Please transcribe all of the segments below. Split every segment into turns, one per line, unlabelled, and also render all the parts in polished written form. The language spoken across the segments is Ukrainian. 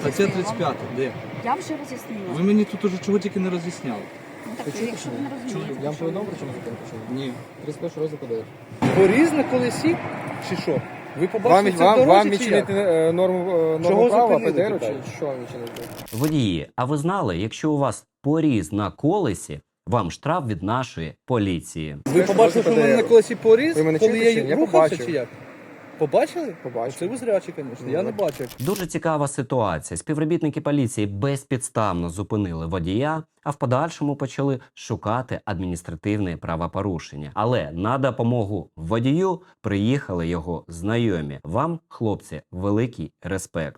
Стаття 35, де?
Я вже роз'яснила.
Ви мені тут уже чого тільки не роз'ясняли.
Ну, так, якщо ви не розумієте,
Я вам
що
повідомив, причому зупинку чи ні?
Ні.
31 розділ ПДР.
Поріз на колесі чи що? Ви побачили це в дорозі
Вам
чи як?
відчинити норму
Чого
права
зупинили,
ПДР
питаю?
чи що вам відчинити?
Водії, а ви знали, якщо у вас поріз на колесі, вам штраф від нашої поліції.
Ви побачили, що в мене на колесі поріз,
Ви мене
коли
чуєте чи
я
ні? Я
рухався
побачив.
чи як? Побачили?
Побачив.
Це ви зрячі, звісно. Я не бачив.
Дуже цікава ситуація. Співробітники поліції безпідставно зупинили водія, а в подальшому почали шукати адміністративне правопорушення. Але на допомогу водію приїхали його знайомі. Вам, хлопці, великий респект.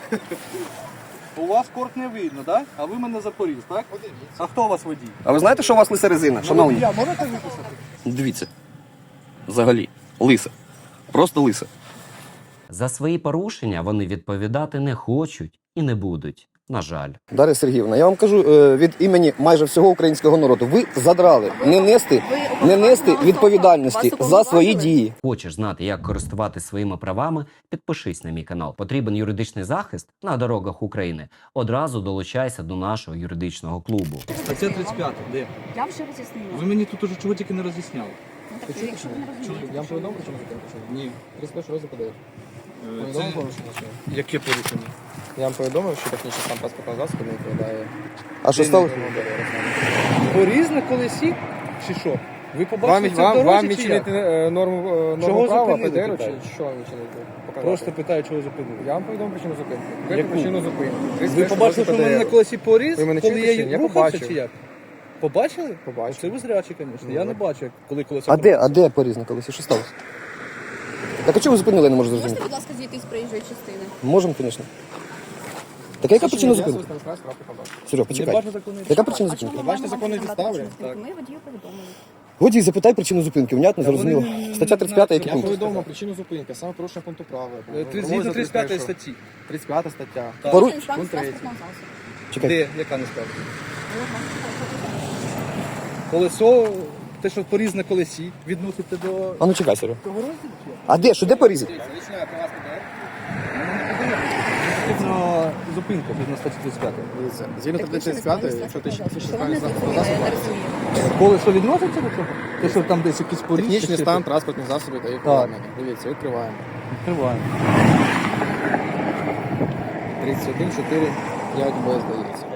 У вас корт не видно, так? А ви мене за поріз, так? А хто у вас водій?
А ви знаєте, що у вас лиса резина, шановні?
Я можете виписати?
Дивіться. Взагалі, лиса. Просто лиса.
За свої порушення вони відповідати не хочуть і не будуть. На жаль.
Дар'я Сергіївна, я вам кажу від імені майже всього українського народу. Ви задрали не нести відповідальності за свої дії.
Хочеш знати, як користуватися своїми правами? Підпишись на мій канал. Потрібен юридичний захист на дорогах України? Одразу долучайся до нашого юридичного клубу.
Стаття 35, де?
я вже роз'яснила.
Ви мені тут уже чого тільки не роз'ясняли.
Ну, так, якщо ви не розумієте,
Я вам
що
повідомив, причому зупинку чи ні?
Ні.
31 розділ ПДР.
Це...
Повідомив порушення чи ні?
Яке порушення?
Я вам повідомив, що технічний стан транспортного засобу не відповідає.
А що сталося?
Поріз на колесі чи що? Ви побачили це в
Вам
дорозі чи
відчинити
як?
норму
Чого
права
зупинили,
ПДР
питаю?
чи що вам відчинити? Показати.
Просто питаю, чого зупинили.
Я вам повідомив причину зупинки.
Яку?
Яку причину зупинки?
Ви
31
побачили, що в мене на
ПДР.
колесі поріз,
Ви мене
коли
чуєте чи ні?
я
Я
рухався
побачив.
чи як? Побачили?
Побачив.
Це ви зрячі, звісно. Я
Ну,
не
так.
бачу, коли колеса...
А де поріз на колесі? Що сталося? Так а чого ви зупинили, я не можу зрозуміти?
Можете, будь ласка, зійти з проїжджої частини?
Можемо, звісно. Так яка причина зупинки? Серег,
Не
почекай.
бачу законної
Яка
підстави.
причина
А чому
зупинки?
ми
бачите
маємо
законні
вам
підстави?
надати
Так.
Ми водію повідомили.
Водій, запитай причину зупинки. Внятно,
Та вони
зрозуміло.
не
Стаття 35, який
Я
пункт?
повідомив причину зупинки, саме порушення пункту права.
Згідно 35 статті.
35 стаття.
Так.
Пору-
Це інстанція
Пункт третій.
транспортного засобу.
Чекай.
Де? Яка не скажу? Колесо, те, що поріз на колесі, відносите до...
А ну чекай, Серег.
Того розділу чи як?
А де? Що, де порізати?
Потрібно зупинка згідно статті 35.
Дивіться, згідно
Так ви
статті
ще не
35,
справились
якщо
з
ти
транспортним
ще
засобом. Що ви не
засобу,
розумієте?
Колесо відноситься до цього? Те, що там десь якийсь поріз?
технічний
чи
стан
що?
транспортних засобів та їх обладнання. Дивіться, відкриваємо.
Відкриваємо.
31, 4, 5 Б, здається.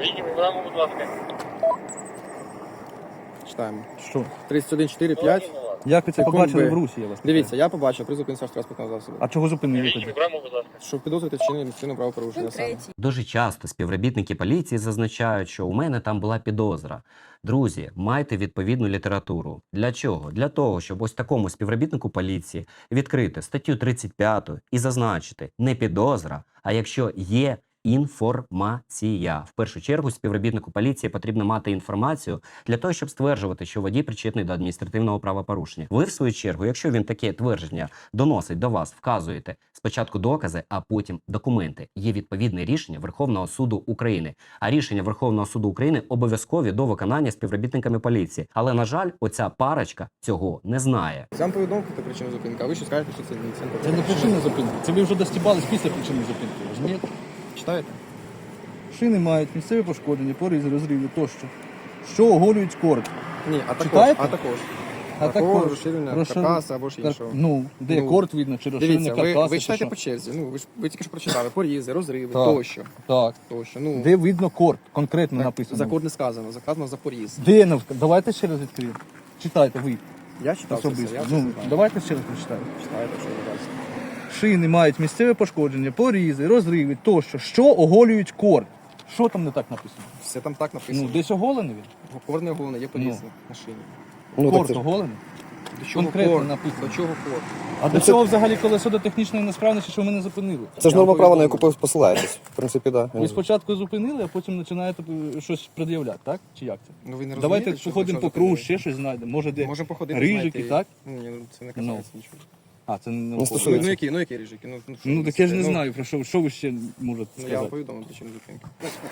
Читаємо.
Що?
31, 4, 5.
Як ви це
Секунд
побачили
Б.
в русі, я вас питаю?
Дивіться, я побачив при зупинці транспортного засобу.
А чого зупинили тоді?
Що підозрюєте вчинення правопорушення
Пункт
саме.
третій.
Дуже часто співробітники поліції зазначають, що у мене там була підозра. Друзі, майте відповідну літературу. Для чого? Для того, щоб ось такому співробітнику поліції відкрити статтю 35 і зазначити не підозра, а якщо є інформація. В першу чергу співробітнику поліції потрібно мати інформацію для того, щоб стверджувати, що водій причетний до адміністративного правопорушення. Ви, в свою чергу, якщо він таке твердження доносить до вас, вказуєте спочатку докази, а потім документи. Є відповідне рішення Верховного суду України. А рішення Верховного суду України обов'язкові до виконання співробітниками поліції. Але, на жаль, оця парочка цього не знає.
Я вам повідомити причину зупинки, а ви що скажете, що це ні.
Це не причина зупинки. Це ви вже достібались після причини зупинки. Розумієте?
Читаєте?
Шини мають місцеві пошкодження, порізи, розриви тощо. Що оголюють корд.
Ні, а також.
Читаєте?
А також.
А
Такого
також
розширення
розшир-
каркаса або ж іншого.
Ну, де
Ну,
корд видно, чи розширення
Дивіться,
каркаса,
ви
чи
читаєте
що?
по черзі. Ну, ви тільки що прочитали. Порізи, розриви,
Так.
тощо.
Так.
Тощо. Ну,
Де видно корд, конкретно
так,
написано.
за код не сказано, сказано за поріз.
Де давайте ще раз відкриємо. Читайте ви
Я читав це все,
особисто.
я це
Ну,
знаю.
давайте ще раз прочитаємо.
Читаєте, що ви бачите.
Шини мають місцеве пошкодження, порізи, розриви тощо, що оголюють корд. Що там не так написано?
Все там так написано.
Ну, десь оголений він?
Кор не головне, є поріз на шині.
Ну, так
Корд
це ж.
оголений?
До чого
Конкретно
кор?
написано.
До чого кор?
А до цього взагалі колесо до технічної несправності, що ми не зупинили?
Це ж норма права, на яку посилаєтесь. В принципі, так.
Ви спочатку зупинили, а потім починаєте щось пред'являти, так? Чи як це?
Ну, ви не
Давайте
розумієте, що
походимо по кругу, ще щось знайдемо. Може, де
Можемо походити.
рижики,
знаєте,
так?
Ні, ну це не касається нічого.
А, це не
Не
науково.
стосується.
Ну які рижики? Ну, що
Ну,
ви
так я ж не
несете?
знаю, про що ви ще можете
Ну, я вам
сказати.
повідомив причину зупинки.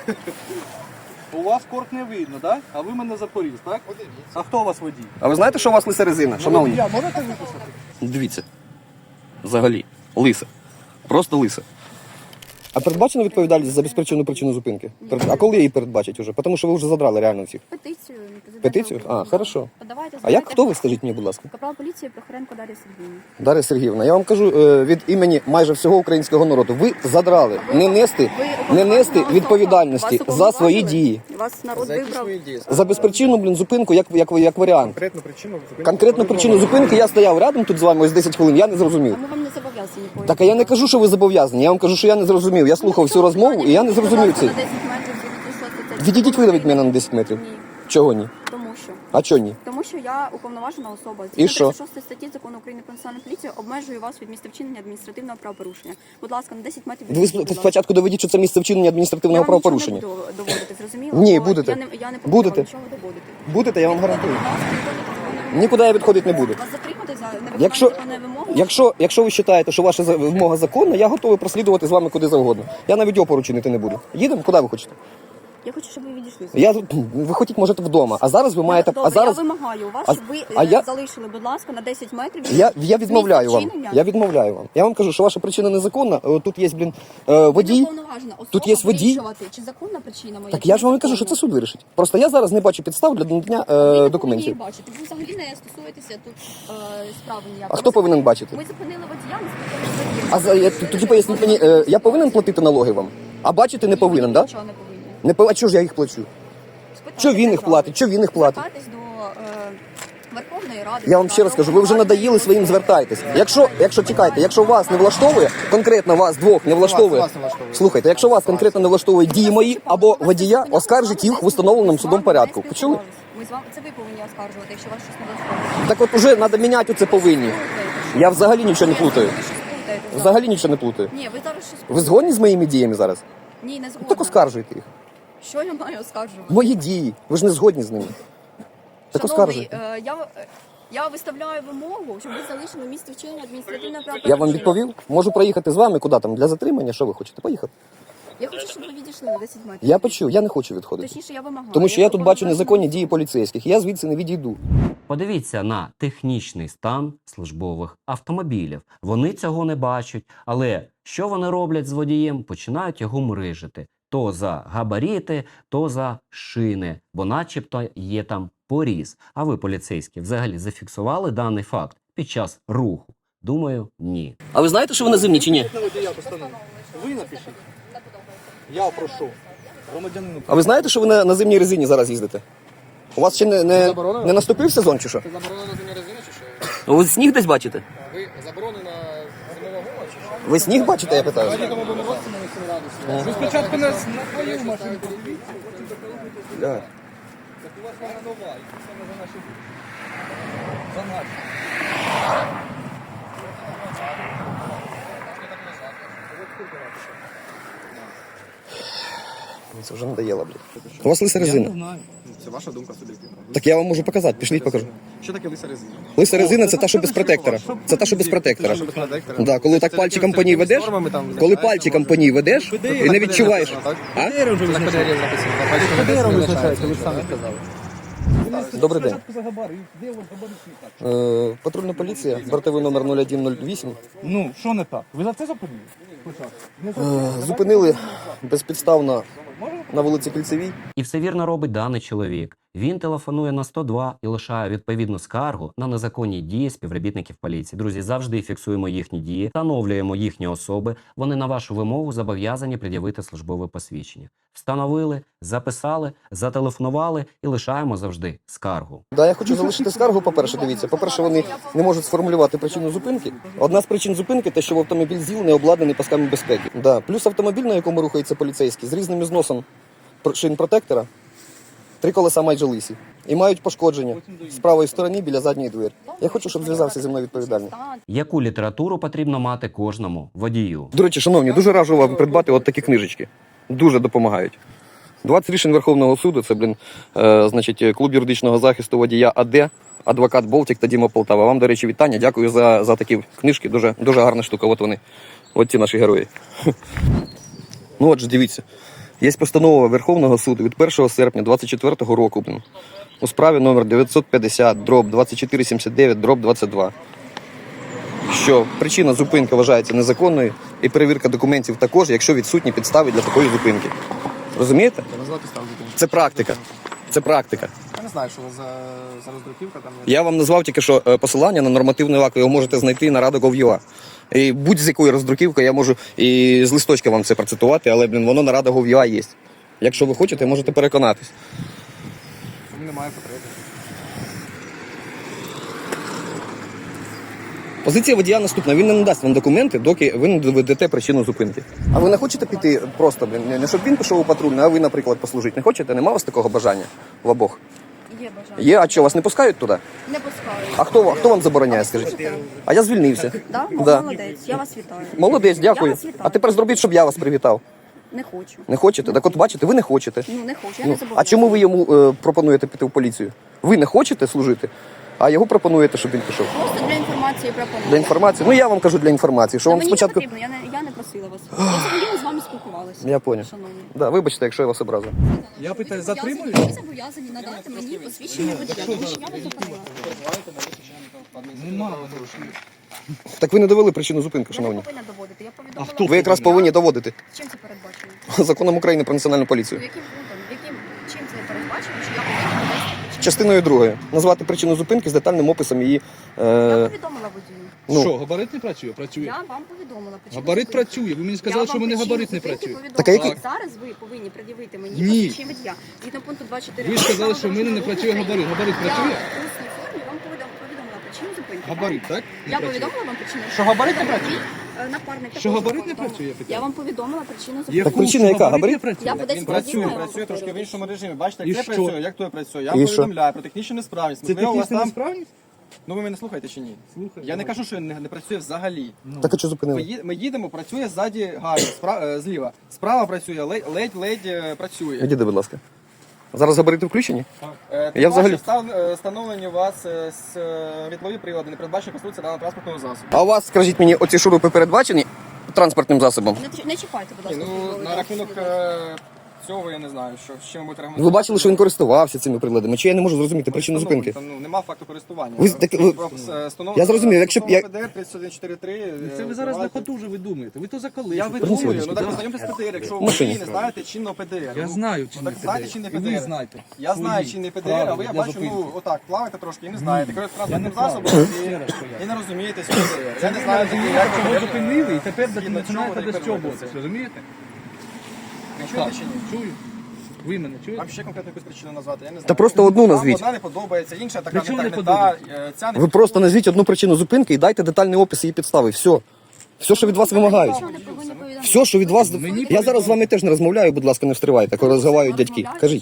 У вас корт не видно, так? А ви мене за поріз, так? А хто у вас водій?
А ви знаєте, що у вас лиса резина, шановні?
Я можете виписати?
Дивіться. Взагалі, лиса. Просто лиса. А передбачена відповідальність за безпричинну причину зупинки? А коли її передбачать уже? Тому що ви вже задрали реально всіх.
Петицію.
Петицію? А, хорошо.
Подавайте,
А як хто ви, скажіть мені, будь ласка?
Капрал поліції Прохоренко Дар'я Сергіївна.
Дар'я Сергіївна, я вам кажу від імені майже всього українського народу. Ви задрали не нести відповідальності за свої дії.
Вас народ
За які
вибрав.
свої дії?
За безпричинну, зупинку, як варіант.
Конкретну причину зупинки.
Конкретну причину зупинки я стояв рядом тут з вами ось 10 хвилин, я не зрозумів.
А ми вам не зобов'язані поїхати.
Так, а я не кажу, що ви зобов'язані, я вам кажу, що я не зрозумів. Я слухав всю розмову і я не зрозумів це.
На 10 метрів звідти, що це.
Відійдіть ви від мене на 10 метрів.
Ні.
Чого ні?
Тому що.
А чого ні?
Тому що я уповноважена особа.
І що?
36 статті Закону України про національну поліцію обмежую вас від місця вчинення адміністративного правопорушення. Будь ласка, на 10 метрів.
Ви
відійдіть, будь ласка.
спочатку доведіть, що це місце вчинення адміністративного
Я вам нічого
правопорушення.
не буду доводити, зрозуміло?
Ні,
Бо
будете.
Я не
Будете.
буду нічого доводити.
Будете, я вам гарантую.
Будь ласка, відходите від
Нікуди я відходити не буду.
вас затримати за невиконання
Якщо,
законної вимоги.
якщо ви вважаєте, що ваша вимога законна, я готовий прослідувати з вами куди завгодно. Я навіть опору чинити не буду. Їдемо, куди ви хочете?
Я хочу, щоб ви відійшли.
Ви хотіть, можете вдома, а зараз ви маєте.
Добре,
А зараз
я вимагаю у вас,
А-
щоб ви
а я-
залишили, будь ласка, на 10 метрів.
я відмовляю вам.
вчинення.
Я відмовляю вам. Я вам кажу, що ваша причина незаконна. Тут є, водій.
Уповноважена особа
Тут є водій.
вирішувати, чи законна причина моя.
Так
чи
я ж вам і кажу,
незаконна.
що це суд вирішить. Просто я зараз не бачу підстав для надання
Ви не повинні
документів.
її бачити. Ви взагалі не стосуєтеся тут справи ніякої.
А хто повинен бачити?
Ми зупинили водія, ми спитали водія.
Тоді поясніть мені, я повинен платити налоги вам? А бачити не повинен, так?
Нічого не повинні.
А чого ж я їх плачу?
Спитайте
Що він їх
держави.
платить? Що він їх платить?
Звертайтесь до Верховної Ради.
Я вам ще раз кажу, ви вже надоїли своїм звертайтесь. Якщо чекайте, якщо вас не влаштовує, конкретно вас двох не влаштовує.
Вас не влаштовує.
Слухайте, якщо вас конкретно не влаштовує дії мої або водія, оскаржіть їх в установленому судом порядку. Почули?
Ми з вами це ви повинні оскаржувати, якщо вас щось не влаштовує.
Так от уже треба міняти це повинні. Я взагалі нічого не плутаю.
Ви щось плутаєте зараз.
Взагалі нічого не плутаю.
Ні, ви зараз щось
Ви згодні з моїми діями зараз?
Ні, не згодна.
Так оскаржуйте їх.
Що я маю оскаржувати?
Мої дії. Ви ж не згодні з ними. Так
Шановний,
оскаржуйте.
я виставляю вимогу, щоб ви залишили місце вчинення адміністративного правопорушення.
Я вам відповів. Можу проїхати з вами куди там для затримання. Що ви хочете? Поїхати.
Я хочу, щоб ви відійшли на 10 метрів.
Я почув, я не хочу відходити.
Точніше, я вимагаю.
Тому що я тут бачу
повинна
незаконні
бачити.
дії поліцейських. Я звідси не відійду.
Подивіться на технічний стан службових автомобілів. Вони цього не бачать, але що вони роблять з водієм? Починають його мрижити. То за габаріти, то за шини, бо начебто є там поріз. А ви, поліцейські, взагалі зафіксували даний факт під час руху? Думаю, ні.
А ви знаєте, що ви на зимні чи ні?
Ви напишіть. Я прошу. Громадянину.
А ви знаєте, що ви на зимній резині зараз їздите? У вас ще не наступив сезон чи що?
Це заборонено зимня резина чи що?
Ви сніг десь бачите?
Ви заборонена зимова гума чи що?
Ви сніг бачите, я питаю?
Тому будемо році на 8 градусів.
Ви спочатку нас на твою машину подивіться, потім
Бля.
так у вас вона нова, і це саме за наші. За наші.
Це вже надоело, блядь. У вас лиса
Я не
резина.
знаю.
Це ваша думка суб'єктивна.
Так я вам можу показати, пішліть покажу.
Що таке лиса резина?
Лиса резина це та, що без протектора. Це та, що без протектора. Да, коли так пальчиком по ній ведеш, коли пальчиком по ній ведеш, і не відчуваєш. А?
Ви ж самі сказали.
Добрий день.
Спочатку за габарит. Де от габаритний так?
Патрульна поліція, бортовий номер 0108.
Ну, що не так? Ви за це зупинили? Спочатку. Не за це.
Зупинили безпідставно на вулиці Кільцевій.
І все вірно робить даний чоловік. Він телефонує на 102 і лишає відповідну скаргу на незаконні дії співробітників поліції. Друзі, завжди фіксуємо їхні дії, встановлюємо їхні особи. Вони на вашу вимогу зобов'язані пред'явити службове посвідчення. Встановили, записали, зателефонували і лишаємо завжди скаргу.
Да, я хочу залишити скаргу, по-перше, дивіться. По-перше, вони не можуть сформулювати причину зупинки. Одна з причин зупинки – те, що в автомобіль ЗІЛ не обладнаний пасками безпеки. Да. Плюс автомобіль, на якому рухається поліцейський, з різним зносом шин протектора, 3 колеса майже лисі. І мають пошкодження з правої сторони біля задньої двері. Я хочу, щоб зв'язався зі мною відповідальний.
Яку літературу потрібно мати кожному водію?
До речі, шановні, дуже раджу вам придбати от такі книжечки. Дуже допомагають. 20 рішень Верховного суду, це, значить, клуб юридичного захисту водія АД, адвокат Болтік та Діма Полтава. Вам, до речі, вітання. Дякую за такі книжки. Дуже, дуже гарна штука. От вони. От ці наші герої. Ну от же, дивіться. Є постанова Верховного суду від 1 серпня 2024 року у справі номер 950/2479/22 що причина зупинки вважається незаконною і перевірка документів також, якщо відсутні підстави для такої зупинки. Розумієте?
Я назвав підставу зупинки.
Це практика. Це практика.
Я не знаю, що у вас за роздруківка там.
Я вам назвав тільки що посилання на нормативний акт, його можете знайти на Rada.gov.ua. І будь-з якої роздруківки я можу і з листочка вам це процитувати, але, воно на Rada.gov.ua є. Якщо ви хочете, можете переконатись.
Тому немає потреби.
Позиція водія наступна. Він не надасть вам документи, доки ви не доведете причину зупинки. А ви не хочете піти просто, не щоб він пішов у патрульний, а ви, наприклад, послужити? Не хочете? Нема у вас такого бажання в обох?
Є бажання.
Є, а що, вас не пускають туди?
Не пускаю.
А хто вам забороняє, скажіть? А я звільнився.
Да?
Да.
Молодець, я вас вітаю.
Молодець,
Я
дякую.
вас вітаю.
А тепер зробіть, щоб я вас привітав.
Не хочу.
Не хочете? Так от бачите, ви не хочете.
Ну, не хочу, я
Ну,
не забуду.
а чому ви йому пропонуєте піти в поліцію? Ви не хочете служити, а його пропонуєте, щоб він пішов.
Просто для інформації пропоную.
Для інформації? Ну я вам кажу для інформації, що
Та
вам
мені
спочатку.
не потрібно, я не просила вас. Я взагалі з вами спілкувалася.
Я поняв.
Шановні.
Да, вибачте, якщо я вас образив.
Я питаю,
Ви
затримую?
зобов'язані надати мені посвідчення водія, тому що я вас зупинила.
Нема.
Так ви не довели причину зупинки,
Я не
шановні.
повинна доводити, я повідомила.
хто?
Ви якраз повинні доводити
Чим це передбачено?
законом України про національну поліцію.
Яким пунктом? Чим це передбачено, що я повинна довести причину?
Частиною другою. Назвати причину зупинки з детальним описом її.
Я повідомила водію.
Ну.
Що, габарит не працює? Працює.
Я вам повідомила причину.
Габарит
зупинки.
працює. Ви мені
Я
сказали, що
вам
в мене
причину
габарит не
зупинки
працює.
повідомила.
Так, а який-
Зараз ви повинні пред'явити мені
Ні.
посвідчення водія. Згідно пункту 24.
Ви сказали, що в мене не працює габарит. Габарит
Я
працює?
в усній формі вам повідомила причину зупинки.
Габарит, так? Не
Я
працює.
повідомила вам причину.
Що габарит не працює?
Напарник
Що
також
габарит не
повідомив.
працює, я питаю?
Я вам повідомила причину
Є
зупинки.
Так
функція,
причина яка? Габарит?
не працює?
Я по 10
Він
разів
працює,
маю
працює трошки в
повторювати.
іншому режимі. Бачите,
І
як це
що?
працює, як то працює. Я
І
вам
що?
повідомляю про технічну несправність.
Це
Можливо, у вас
технічна
там...
несправність?
Ну ви мене слухаєте чи ні?
Слухаю.
Я не кажу, що не працює взагалі.
Так а що зупинили?
Ми їдемо, працює ззаді гарно, зліва. Справа працює, ледь працює.
Відійди, будь ласка. Зараз габарити включені?
Я
взагалі-
встановлені у вас світлові прилади, не передбачені конструкція даного транспортного засобу.
А у вас, скажіть мені, оці шурупи передбачені транспортним засобом?
Не чіпайте, будь ласка.
Ну,
службовий
на рахунок
засіб.
цього я не знаю, що з чим будете
Ви бачили, що він користувався цими приладами? Чи я не можу зрозуміти причину зупинки?
Там, ну, нема факту користування.
Я зрозумів, якщо б я-
ПДР 3143.
Це ви зараз на ходу вже видумуєте. Ви то за коли?
Я
що
видумую,
водичку.
ну так познайомтесь з ПДР, якщо
В
ви
машині.
не знаєте чинного ПДР.
Я
Ну,
знаю
ну,
чинний
так знаєте
ПДР.
чинний
І ви
ПДР.
знаєте.
Я знаю
Свої
чинний ПДР,
правила
а ви, я
для
бачу,
зупинки.
ну, отак, плаваєте трошки і не знаєте. Керуєте
Я не
транспортним
плаваю.
засобом
Ще раз поясню.
і не розумієте свій ПДР. Я не
Ви
знаю,
розумієте,
як
чого
ви
зупинили, і тепер
Згідно
починаєте
чого ви
достьобуватися.
переводите?
Розумієте?
Ви чуєте чи ні?
Чую. Ви мене чуєте?
Вам ще конкретну якусь причину назвати, я не знаю.
Та просто одну
Вам
назвіть.
одна не подобається, інша така
Причому
не
не
та, ця не
Ви просто назвіть одну причину зупинки і дайте детальний опис її підстави. Все. Все, що від вас вимагають.
Нічого не повинні повідомляти.
Все, що від вас.
Мені
Я зараз з вами теж не розмовляю, будь ласка, не встривайте, коли розмовляють дядьки. Кажіть.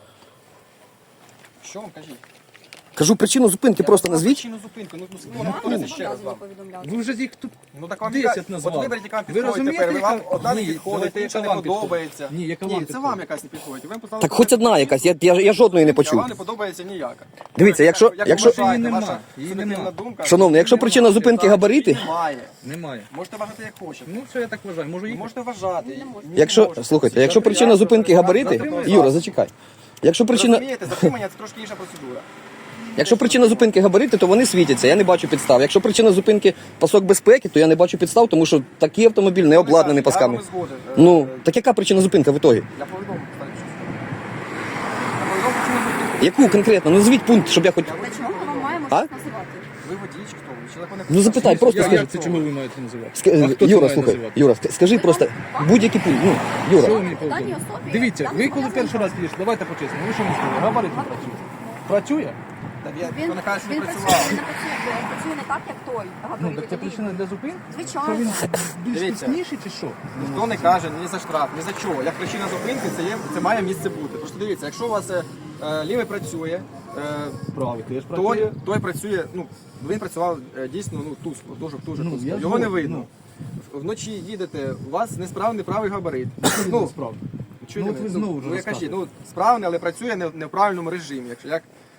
Що вам кажіть?
Кажу причину зупинки, просто назвіть.
Причину зупинки, ну
Я не
повторюйте ще раз.
зобов'язані повідомляти.
Ви вже їх тут
Ну так вам
10
яка-
назвали.
От виберіть, яка вам
Ви
підходить
розумієте,
тепер. Ви вам
яка-
одна не
Ні,
підходить,
давайте,
інша не
яка вам
подобається.
підходить? Ні, яка вам
це вам
підходить?
якась не підходить. Ви поставили
Так хоч одна якась, я жодної не
А
почув.
вам не подобається ніяка.
Дивіться, якщо-
Як
якщо-
вважаєте,
Її
ваша
нема, її
суб'єктивна
нема.
думка,
Шановний, якщо
її
причина
немає,
зупинки
так,
габарити-
її Немає.
немає.
Можете вважати як хочете.
Ну, що я так вважаю? Може
Ви
їх?
можете вважати. Ні,
Якщо,
можете.
слухайте, якщо причина зупинки габарити,
Затримуйте.
Юра, зачекай. Якщо
Ви
причина,
розумієте, затримання це трошки інша процедура.
якщо причина зупинки габарити, то вони світяться, я не бачу підстав. Якщо причина зупинки пасок безпеки, то я не бачу підстав, тому що такий автомобіль не обладнаний пасками.
Я вам згоден.
Ну, так яка причина зупинки в ітогі?
Я повідомив, кстати, що я повідомив причину зупинки.
Яку конкретно? Ну, назвіть пункт, щоб я хоч...
Для чого ми вам маємо
А?
щось називати?
Ви водій чи хто? Ви чоловік
Ну, запитай, просто скажи.
Як це чому ви маєте називати? А хто це
Юра,
має
слухай,
називати?
Юра, скажи просто будь-який пункт. Ну,
Що
Юра,
ви мені
Даній
повідомили?
особі
Дивіться,
я
ви коли
зобов'язана-
перший раз підійшли, давайте по-чесному, ви що мені сказали? Габарит не працює. Працює?
Та
Він
він каже, що не
він
працював.
працює, він працює не так, як той.
Ну,
габарит,
так це
який-
причина для зупинки? Що
Звичайно.
він більш
Дивіться.
точніший чи що?
Ніхто не каже ні за штраф, ні за чого. Як причина зупинки, це має місце бути. Просто дивіться, якщо у вас лівий працює,
Правий теж
той працює, ну, він працював дійсно тускло, дуже тускло.
Ну, я
Його не
згоден,
видно. Вночі їдете, у вас несправний правий габарит. Ну,
справді.
чуєте
Ну, от ви
мене?
знову вже
я кажу,
розказуєте.
справний, але працює не в правильному режимі. Якщо як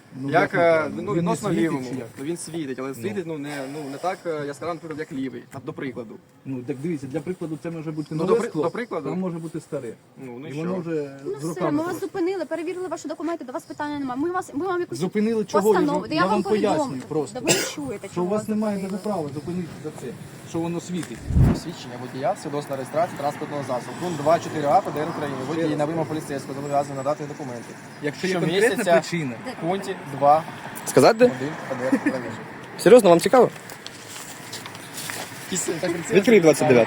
Ну,
Як
як
ну,
він не
відносно
світить
лівому.
чи як?
Ну, він світить, але світить не так яскраво, наприклад, як лівий, до прикладу.
Ну, так дивіться, для прикладу це може бути
Ну,
нове
до
скло,
прикладу.
там може бути старе.
Ну
І
що?
воно вже
Ну
з
все,
роками.
ми вас
просто.
зупинили, перевірили ваші документи, до вас питання немає. Ми вам якусь
Зупинили чого?
постанову.
Я вам пояснюю
повідомлю.
просто.
Да ви не чуєте,
Що
чого
у вас
вас
немає
зупинили.
даже права зупинити за це, що воно світить.
Свідчення водія, свідоцтва реєстрації транспортного засобу. Пункт 2.4а ПДР України. Водій на вимогу поліцейського зобов'язаний надати документи.
Якщо є
Щомісяця
конкретна причина,
В пункті 2.1
Сказати де?
ПДР правіше.
Серйозно, вам цікаво? Відкрий 29.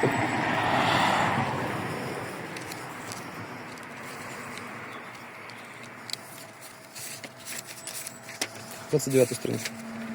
Сторінка.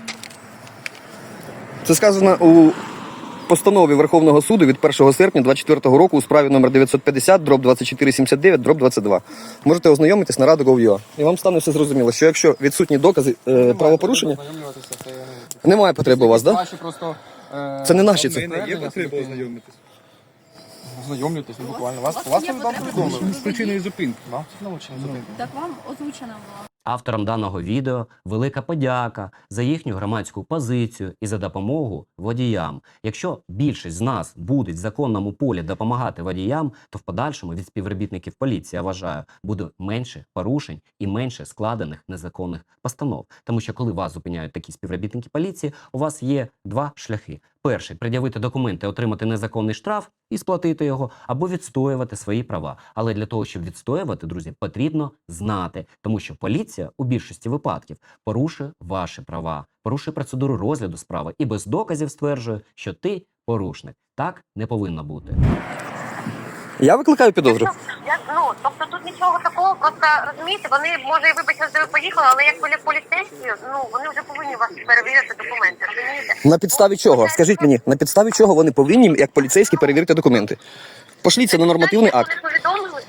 Це сказано у постанові Верховного суду від 1 серпня 2024 року у справі номер 950/2479/22. Можете ознайомитись на Radu.gov.ua. І вам стане все зрозуміло, що якщо відсутні докази правопорушення,
Ознайомлюватися, це,
немає потреби у вас, так? Да?
Ваші просто,
Це не наші,
в
це.
мене є потреба ознайомитись.
Ознайомлюйтесь, ну буквально. Вас
є
вам
потреба
повідомили.
З причиною зупинки.
Вам научені зупинки.
Так вам озвучена була.
Авторам даного відео велика подяка за їхню громадську позицію і за допомогу водіям. Якщо більшість з нас будуть в законному полі допомагати водіям, то в подальшому від співробітників поліції, я вважаю, буде менше порушень і менше складених незаконних постанов. Тому що коли вас зупиняють такі співробітники поліції, у вас є два шляхи. Перший – пред'явити документи, отримати незаконний штраф і сплатити його, або відстоювати свої права. Але для того, щоб відстоювати, друзі, потрібно знати, тому що поліція у більшості випадків порушує ваші права, порушує процедуру розгляду справи і без доказів стверджує, що ти порушник. Так не повинно бути.
Я викликаю підозру.
Тобто тут нічого такого, просто розумієте, вони, може, вибачте, що ви поїхали, але як були поліцейські, вони вже повинні вас перевірити документи, розумієте?
На підставі чого? Скажіть мені, на підставі чого вони повинні, як поліцейські, перевірити документи? Пошліться на нормативний акт.
Вони повідомили,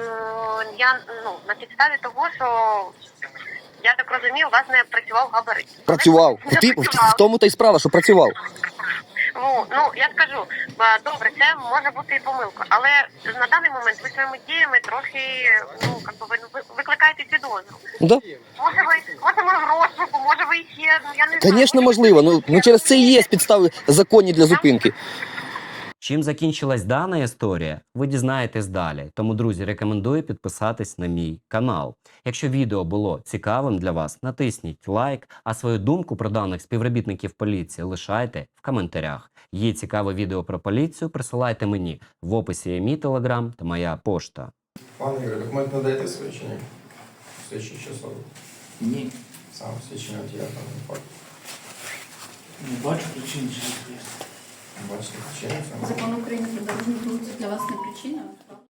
на підставі того, що, я так розумію, у вас не працював габарит.
Працював. В тому та й справа, що працював.
Я скажу, добре, це може бути і помилка, але на даний момент ви своїми діями трохи, ви викликаєте підозру.
Да?
Може ви в розшуку, може ви ще, я не знаю.
Звісно, можливо. Ну через це і є підстави законні для зупинки.
Чим закінчилась дана історія, ви дізнаєтесь далі. Тому, друзі, рекомендую підписатись на мій канал. Якщо відео було цікавим для вас, натисніть лайк, а свою думку про даних співробітників поліції лишайте в коментарях. Є цікаве відео про поліцію, присилайте мені. В описі є мій телеграм та моя пошта.
Пане Ігор, документ надаєте свідчення? Свідчення часово?
Ні,
Сам свідчення от я там не факт.
не бачу причин, що
Бачите, причини саме?
Закон України про дорожній рух для вас не причина?